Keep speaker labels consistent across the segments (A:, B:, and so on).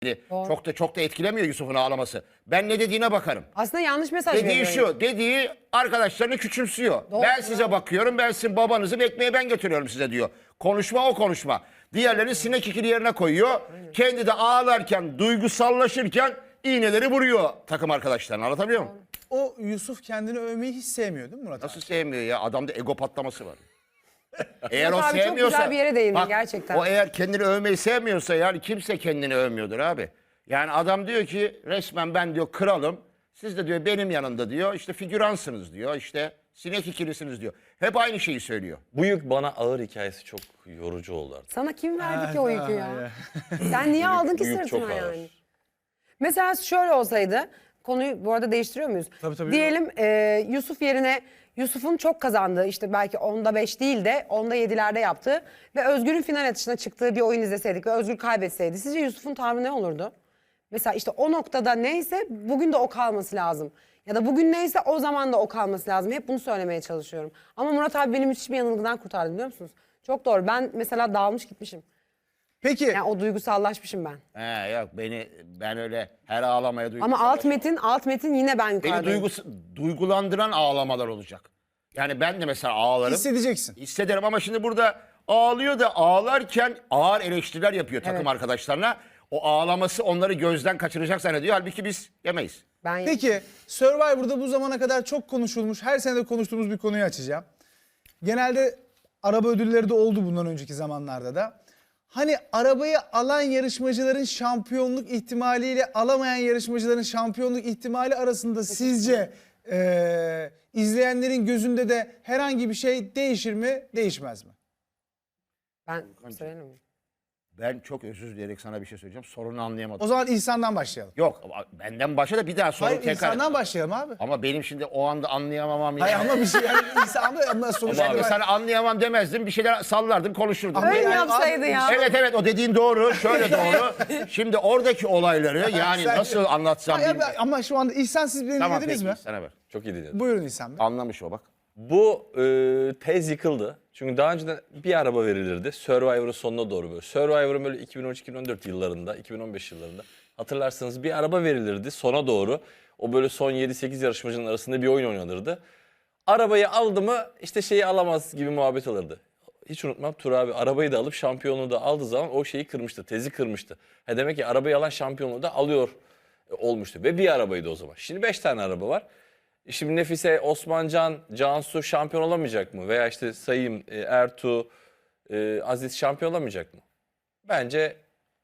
A: Çok da etkilemiyor Yusuf'un ağlaması. Ben ne dediğine bakarım.
B: Aslında yanlış mesaj
A: Dediği
B: veriyor.
A: şu, dediği arkadaşlarını küçümsüyor.
B: Doğru,
A: Ben size bakıyorum, ben sizin babanızı ekmeğe ben götürüyorum size diyor. Konuşma o konuşma. Diğerlerini sinek ikili yerine koyuyor. Kendi de ağlarken, duygusallaşırken iğneleri vuruyor takım arkadaşlarına. Anlatabiliyor muyum?
C: O Yusuf kendini övmeyi hiç sevmiyor değil mi Murat abi?
A: Nasıl sevmiyor ya? Adamda ego patlaması var. Eğer o
B: Murat abi çok
A: sevmiyorsa...
B: güzel bir yere değindi gerçekten.
A: O eğer kendini övmeyi sevmiyorsa yani kimse kendini övmüyordur abi. Yani adam diyor ki resmen ben diyor kralım. Siz de diyor benim yanımda diyor işte figüransınız diyor işte sinek ikilisiniz diyor. Hep aynı şeyi söylüyor.
D: Bu yük bana ağır hikayesi çok yorucu oldu artık.
B: Sana kim verdi ki o yükü ya? Sen niye aldın ki
D: Bu yük çok
B: sırtına
D: ağır.
B: yani? Mesela şöyle olsaydı, konuyu bu arada değiştiriyor muyuz?
C: Tabii.
B: Diyelim Yusuf yerine Yusuf'un çok kazandığı işte belki 10'da 5 değil de 10'da 7'lerde yaptığı ve Özgür'ün final atışına çıktığı bir oyun izleseydik ve Özgür kaybetseydi sizce Yusuf'un tavrı ne olurdu? Mesela işte o noktada neyse bugün de o kalması lazım. Ya da bugün neyse o zaman da o kalması lazım. Hep bunu söylemeye çalışıyorum. Ama Murat abi beni müthiş bir yanılgıdan kurtardı biliyor musunuz? Çok doğru. Ben mesela dağılmış gitmişim.
C: Peki
B: Yani o duygusallaşmışım ben.
A: Yok ben öyle her ağlamaya
B: Ama
A: duygusallaşmam.
B: alt metin yine ben yukarıdayım.
A: Beni duygulandıran ağlamalar olacak. Yani ben de mesela ağlarım.
C: hissedeceksin.
A: Hissederim ama şimdi burada ağlıyor da ağlarken ağır eleştiriler yapıyor takım
B: Evet.
A: arkadaşlarına. O ağlaması onları gözden kaçıracak zannediyor. Halbuki biz yemeyiz.
B: Ben
C: Peki Survivor'da bu zamana kadar çok konuşulmuş, her sene de konuştuğumuz bir konuyu açacağım. Genelde araba ödülleri de oldu bundan önceki zamanlarda da. Hani arabayı alan yarışmacıların şampiyonluk ihtimaliyle alamayan yarışmacıların şampiyonluk ihtimali arasında sizce izleyenlerin gözünde de herhangi bir şey değişir mi, değişmez mi?
B: Ben söyleyeyim mi?
A: Ben çok özür dileyerek sana bir şey söyleyeceğim. Sorunu
C: O
A: anlayamadım.
C: zaman İhsan'dan başlayalım.
A: Yok benden başla da bir daha soru
C: Hayır
A: tekrar.
C: İhsan'dan başlayalım abi.
A: Ama benim şimdi o anda anlayamamam.
C: Hayır ama bir şey yani İhsan ama sonuçta...
A: Ama sana anlayamam demezdim. Bir şeyler sallardım konuşurdum.
C: Ama
B: Öyle
C: yani
B: yapsaydı
C: abi-
B: ya.
A: Evet o dediğin doğru. Şöyle doğru. Şimdi oradaki olayları yani
C: Sen-
A: nasıl anlatsam
C: Hayır,
A: bilmiyorum.
C: ama şu anda İhsan siz beni
A: Tamam
C: dinlediniz
A: peki
C: mi?
A: sana ver.
D: Çok iyi dinledim.
C: Buyurun İhsan Bey.
A: Anlamış o bak.
D: Bu tez yıkıldı. Çünkü daha önceden bir araba verilirdi. Survivor'ın sonuna doğru böyle. Survivor'ın böyle 2013-2014 yıllarında, 2015 yıllarında hatırlarsanız bir araba verilirdi sona doğru. O böyle son 7-8 yarışmacının arasında bir oyun oynanırdı. Arabayı aldı mı işte şeyi alamaz gibi muhabbet alırdı. Hiç unutmam Tur abi arabayı da alıp şampiyonluğu da aldığı zaman o şeyi kırmıştı, tezi kırmıştı. Demek ki arabayı alan şampiyonluğu da alıyor olmuştu ve bir arabaydı o zaman. Şimdi 5 tane araba var. Şimdi Nefise, Osmancan, Cansu şampiyon olamayacak mı? Veya işte Sayım, Ertuğ, Aziz şampiyon olamayacak mı? Bence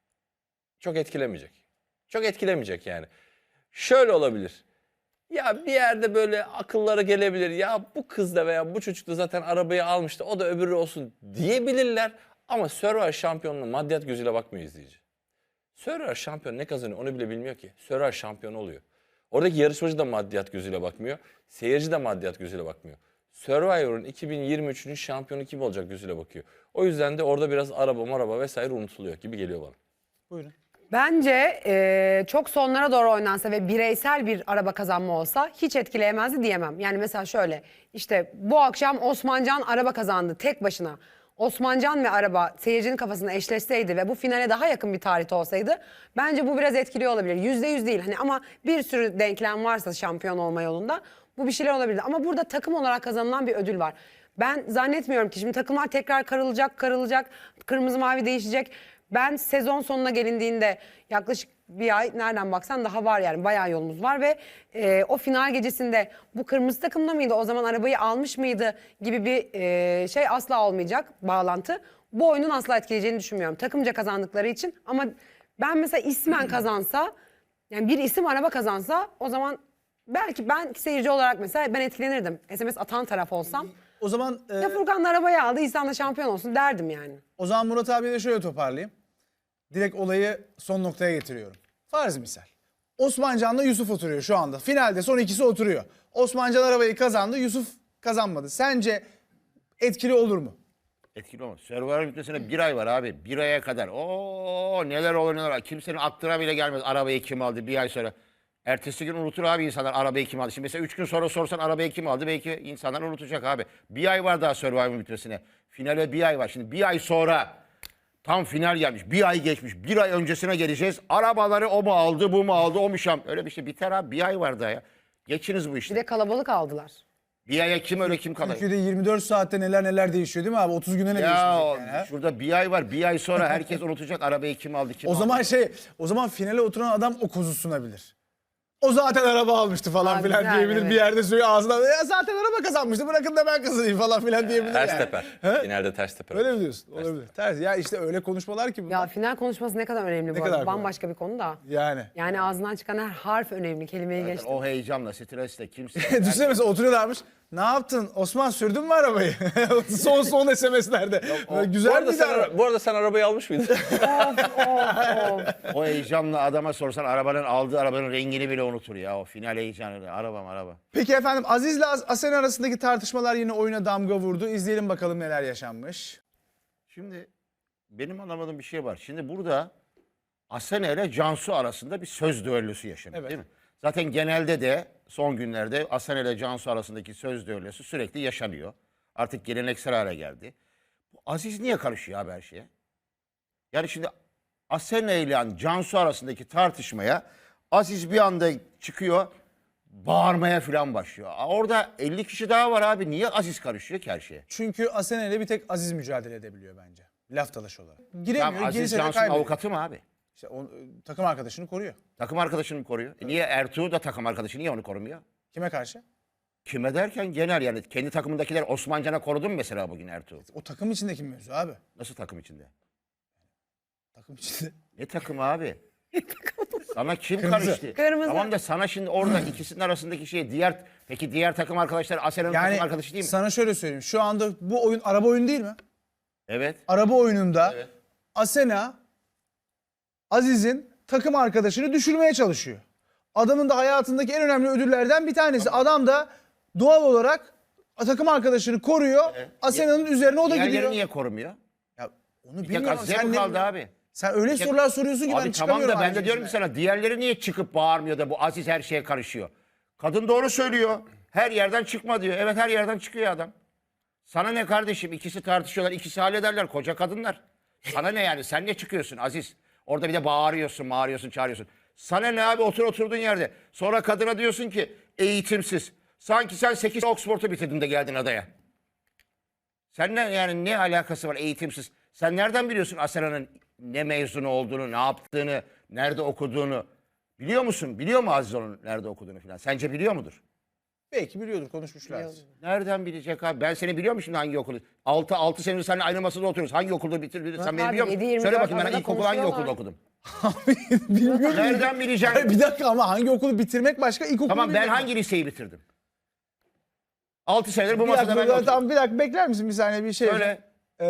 D: çok etkilemeyecek. Çok etkilemeyecek yani. Şöyle olabilir. Ya bir yerde böyle akıllara gelebilir. Ya bu kız da veya bu çocuk da zaten arabayı almıştı. O da öbürü olsun diyebilirler. Ama Survivor şampiyonluğuna maddiyat gözüyle bakmıyor izleyici. Survivor şampiyon ne kazanıyor onu bile bilmiyor ki. Survivor şampiyon oluyor. Oradaki yarışmacı da maddiyat gözüyle bakmıyor. Seyirci de maddiyat gözüyle bakmıyor. Survivor'un 2023'ünün şampiyonu kim olacak gözüyle bakıyor. O yüzden de orada biraz araba vesaire unutuluyor gibi geliyor bana.
C: Buyurun.
B: Bence çok sonlara doğru oynansa ve bireysel bir araba kazanma olsa hiç etkileyemezdi diyemem. Yani mesela şöyle işte bu akşam Osmancan araba kazandı tek başına. Osmancan ve araba seyircinin kafasında eşleşseydi ve bu finale daha yakın bir tarihte olsaydı bence bu biraz etkili olabilir. %100 değil hani ama bir sürü denklem varsa şampiyon olma yolunda bu bir şeyler olabilir. Ama burada takım olarak kazanılan bir ödül var. Ben zannetmiyorum ki şimdi takımlar tekrar karılacak, kırmızı mavi değişecek. Ben sezon sonuna gelindiğinde yaklaşık bir ay nereden baksan daha var yani bayağı yolumuz var ve o final gecesinde bu kırmızı takımda mıydı o zaman arabayı almış mıydı gibi bir şey asla olmayacak bağlantı. Bu oyunun asla etkileyeceğini düşünmüyorum takımca kazandıkları için ama ben mesela ismen kazansa yani bir isim araba kazansa o zaman belki ben seyirci olarak mesela ben etkilenirdim SMS atan taraf olsam.
C: O zaman
B: Ya Furkan da arabayı aldı İhsan da şampiyon olsun derdim yani.
C: o zaman Murat abiye de şöyle toparlayayım. Direkt olayı son noktaya getiriyorum. Farz misal. Osmancan'la Yusuf oturuyor şu anda. Finalde son ikisi oturuyor. Osmancan arabayı kazandı, Yusuf kazanmadı. Sence etkili olur mu?
A: Etkili olmaz. Survivor bitmesine bir ay var abi. Bir aya kadar. Neler olur neler olur. Kimsenin aklına bile gelmez arabayı kim aldı bir ay sonra. Ertesi gün unutur abi insanlar arabayı kim aldı. Şimdi mesela 3 gün sonra sorsan arabayı kim aldı belki insanlar unutacak abi. Bir ay var daha Survivor bitmesine. Finale bir ay var. Şimdi bir ay sonra Tam final gelmiş. Bir ay geçmiş. Bir ay öncesine geleceğiz. Arabaları o mu aldı, bu mu aldı, o mu şam. Öyle bir şey biter abi. Bir ay var daha ya. Geçiniz bu
B: Bir
A: işte.
B: de kalabalık aldılar.
A: Bir aya kim öyle kim kalır?
C: Türkiye'de 24 saatte neler değişiyor değil mi abi? 30 güne ne
A: Ya
C: değişmeyecek yani, ha?
A: şurada bir ay var. Bir ay sonra herkes unutacak arabayı kim aldı, kim
C: O
A: aldı.
C: zaman finale oturan adam o kozu sunabilir. O zaten araba almıştı falan
B: Aa,
C: filan
B: güzel,
C: diyebilir.
B: evet.
C: Bir yerde söylüyor ağzından. Ya zaten araba kazanmıştı, bırakın da ben kazanayım falan filan diyebilir
D: Ters
C: yani.
D: teper.
C: He?
D: Finalde ters teper.
C: Öyle mi diyorsun? Olabilir. Ters. Ya işte öyle konuşmalar ki bunlar.
B: Ya final konuşması ne kadar önemli bu
C: kadar
B: arada.
C: kolay.
B: Bambaşka bir konu da.
C: Yani.
B: Yani ağzından çıkan her harf önemli. Kelimeyi geçtim.
A: O heyecanla, stresle kimse...
C: Düşünsene mesela oturuyorlarmış. Ne yaptın? Osman sürdün mü arabayı? son SMS'lerde. Böyle güzel bir
D: Bu arada sen arabayı almış mıydın?
A: O heyecanla adama sorsan aldığı arabanın rengini bile unutur ya. O final heyecanı. Araba.
C: Peki efendim Aziz'le Asena arasındaki tartışmalar yine oyuna damga vurdu. İzleyelim bakalım neler yaşanmış.
A: Şimdi benim anlamadığım bir şey var. Şimdi burada Asena ile Cansu arasında bir söz düellosu yaşanıyor,
C: Evet.
A: değil mi? Zaten genelde de son günlerde Asena ile Cansu arasındaki söz düellosu sürekli yaşanıyor. Artık geleneksel hale geldi. Bu Aziz niye karışıyor abi her şeye? Yani şimdi Asena ile Cansu arasındaki tartışmaya Aziz bir anda çıkıyor, bağırmaya falan başlıyor. Orada 50 kişi daha var abi. Niye Aziz karışıyor ki her şeye?
C: Çünkü Asena ile bir tek Aziz mücadele edebiliyor bence. Laf dalaşı olarak. Giremiyor,
A: Tamam, Aziz
C: girse de
A: Cansu'nun
C: kaybediyor.
A: avukatı mı abi?
C: İşte takım arkadaşını koruyor.
A: Takım arkadaşını koruyor. Niye Ertuğrul da takım arkadaşı niye onu korumuyor?
C: Kime karşı?
A: Kime derken genel yani kendi takımındakiler Osmancan'a korudu mu mesela bugün Ertuğrul?
C: O takım içindeki mevzu abi.
A: Nasıl takım içinde?
C: Takım içinde.
A: Ne takımı abi? Sana kim
C: Kırmızı.
A: karıştı?
B: Kırmızı.
A: Tamam da sana şimdi orada ikisinin arasındaki şey peki diğer takım arkadaşlar Asena'nın
C: Yani
A: takım arkadaşı değil mi?
C: sana şöyle söyleyeyim. Şu anda bu oyun araba oyunu değil mi?
A: Evet.
C: Araba oyununda
A: Evet.
C: Asena Aziz'in takım arkadaşını düşürmeye çalışıyor. Adamın da hayatındaki en önemli ödüllerden bir tanesi. Adam da doğal olarak takım arkadaşını koruyor. Asena'nın üzerine o da
A: Diğerleri
C: gidiyor.
A: niye korumuyor?
C: Ya onu
A: Bir tek
C: bilmiyorum.
A: Azize mi kaldı abi?
C: Sen öyle sorular soruyorsun ki ben
A: Abi tamam
C: çıkamıyorum.
A: da ben
C: aynı
A: de diyorum ki
C: içine.
A: sana diğerleri niye çıkıp bağırmıyor da bu Aziz her şeye karışıyor? Kadın doğru söylüyor. Her yerden çıkma diyor. Evet her yerden çıkıyor adam. Sana ne kardeşim? İkisi tartışıyorlar, ikisi hallederler. Koca kadınlar. Sana ne yani? Sen ne çıkıyorsun Aziz? Orada bir de bağırıyorsun, çağırıyorsun. Sana ne abi? Oturduğun yerde. Sonra kadına diyorsun ki eğitimsiz. Sanki sen 8 Oxford'u bitirdin de geldin adaya. Sen ne alakası var eğitimsiz? Sen nereden biliyorsun Asena'nın ne mezunu olduğunu, ne yaptığını, nerede okuduğunu? Biliyor musun? Biliyor mu Aziz onun nerede okuduğunu falan? Sence biliyor mudur?
C: Belki biliyordur, konuşmuşlar.
A: Nereden bilecek abi? Ben seni biliyor musun şimdi hangi okulu? 6 senedir seninle aynı masada oturuyoruz. Hangi okulda bitirdin? Sen beni
B: abi,
A: biliyor musun?
B: 7-24
A: Söyle bakayım ben
B: arada
A: ilkokul hangi
B: konuşuyorlar.
A: okulda okudum?
C: Bilmiyorum.
A: Nereden bileceksin?
C: Hayır, bir dakika ama hangi okulu bitirmek başka, ilkokulu
A: Tamam ben
C: bilmiyorum.
A: hangi liseyi bitirdim? 6 senedir bu
C: Bir
A: masada
C: dakika,
A: ben de oturuyorum.
C: tamam, bir dakika bekler misin bir saniye bir şey?
A: Söyle.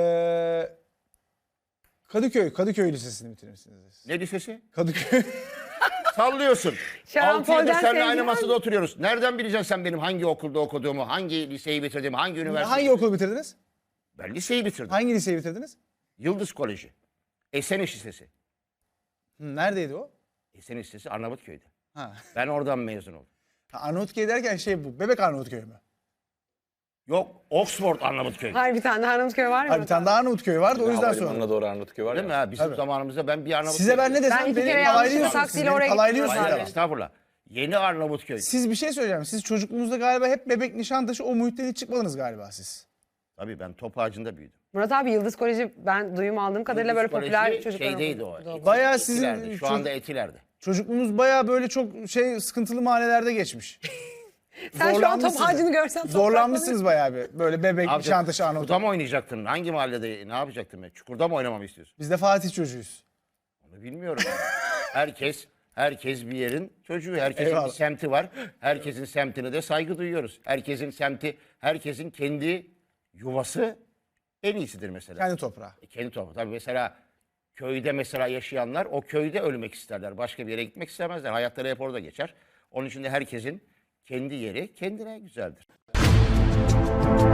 C: Kadıköy Lisesi'ni bitirmişsiniz.
A: Ne lisesi?
C: Kadıköy.
A: Sallıyorsun. 6
B: Şarampol'den
A: yıldır seninle aynı
B: sevgiler
A: masada oturuyoruz. Nereden bileceksin sen benim hangi okulda okuduğumu, hangi liseyi bitirdiğimi, hangi üniversiteyi?
C: Hangi okulu bitirdiniz?
A: Ben liseyi bitirdim.
C: Hangi liseyi bitirdiniz?
A: Yıldız Koleji. Eseniş Lisesi.
C: Neredeydi o?
A: Eseniş Lisesi Arnavutköy'de.
C: Ha.
A: Ben oradan mezun oldum.
C: Arnavutköy derken bu. Bebek Arnavutköy mü?
A: Yok Oxford Arnavutköy.
B: Hayır bir tane daha Arnavutköy var mı?
C: Hayır, bir tane daha Arnavutköy vardı o yüzden sonra.
D: Havalimanına doğru Arnavutköy var
A: Değil mi
D: ya.
A: ha? Bizim
C: Tabii.
A: zamanımızda ben bir Arnavutköy.
C: Size ben ne
B: Ben
C: desem
B: iki kere
C: beni
B: yanlışlıkla
C: kalaylıyorsunuz. Siz
B: taksiyle
C: beni
B: oraya
C: kalaylıyorsunuz
A: Hayır
C: ama.
A: estağfurullah. Yeni Arnavutköy.
C: Siz bir şey söyleyeceğim. Siz çocukluğunuzda galiba hep Bebek, Nişantaşı o muhitten hiç çıkmadınız galiba siz.
A: Tabii ben top ağacında büyüdüm.
B: Murat abi Yıldız Koleji ben duyum aldığım kadarıyla böyle
A: Yıldız
B: popüler
A: Koleji
B: çocuklar
A: şeydeydi
B: okudu.
A: o.
C: Bayağı sizin
A: Etiler'de. Şu anda Etiler'de.
C: çocukluğunuz bayağı böyle çok sıkıntılı mahallelerde geçmiş.
B: Sen şu an top
C: Zorlanmışsınız.
B: ağacını görsen
C: Zorlanmışsınız bayağı bir. Böyle Bebek,
A: Abi
C: Nişantaşı,
A: Çukur'da
C: Arnavutköy.
A: mı oynayacaktın? Hangi mahallede ne yapacaktın? Çukur'da mı oynamamı istiyorsun?
C: Biz de Fatih çocuğuyuz.
A: Onu bilmiyorum. Herkes bir yerin çocuğu. Herkesin
C: Eyvallah.
A: bir semti var. Herkesin semtine de saygı duyuyoruz. Herkesin semti, herkesin kendi yuvası en iyisidir mesela.
C: Kendi toprağı.
A: Kendi toprağı. Tabii mesela köyde mesela yaşayanlar o köyde ölmek isterler. Başka bir yere gitmek istemezler. Hayatları hep orada geçer. Onun için de herkesin kendi yeri kendine güzeldir.